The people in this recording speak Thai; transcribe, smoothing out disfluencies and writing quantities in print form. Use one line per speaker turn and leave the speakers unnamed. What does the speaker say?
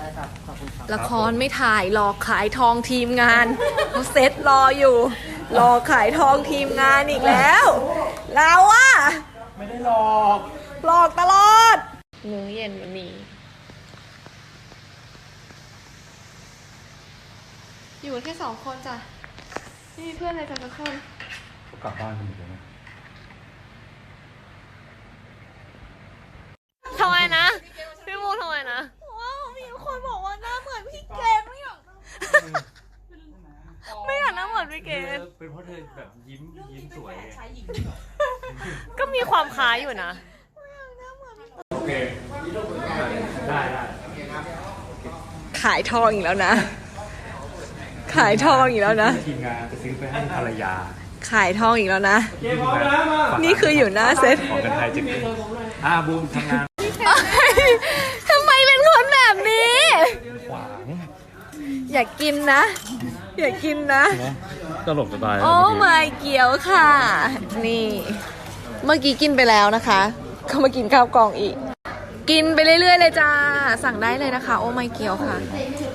ละครไม่ถ่ายรอขายทองทีมงานเขาเซตรออยู่รอขายทองทีมงานอีกแล้วเราอะ
ไม่ได้หลอก
หลอกตลอดมื้อเย็นวันนี้อยู่กันแค่2 คนจ้ะไม่มีเพื่อนอะไรกันสักคน
กลับบ้านกันหมดเลยนะ
ทำไมนะพี่มูทำไมนะว้าวมีคนบอกว่าหน้าเหมือนพี่เกณฑ์ไม่อยากหน้าเหมือนพี่เกณฑ์
เป็นเพราะเธอแบบยิ้มสวย
ก็มีความคล้ายอยู่นะ
โอเคได้
ขายทองอีกแล้วนะขายทองอีกแล้วนะ
ทีมงานจะซื้อไปให้ภรรยา
ขายทองอีกแล้วนะนี่คืออยู่หน้าเซ็ต
ของกันไทยจะกินบูมทำงาน
ทำไมเป็นคนแบบนี้
ขวาง
อยากกินนะอยากกินนะ
ตลกจะตาย
โอ้ my เกี๊ยวค่ะนี่เมื่อกี้กินไปแล้วนะคะก็มากินข้าวกล่องอีกกินไปเรื่อยๆเลยจ้าสั่งได้เลยนะคะโอ้ my เกี๊ยวค่ะ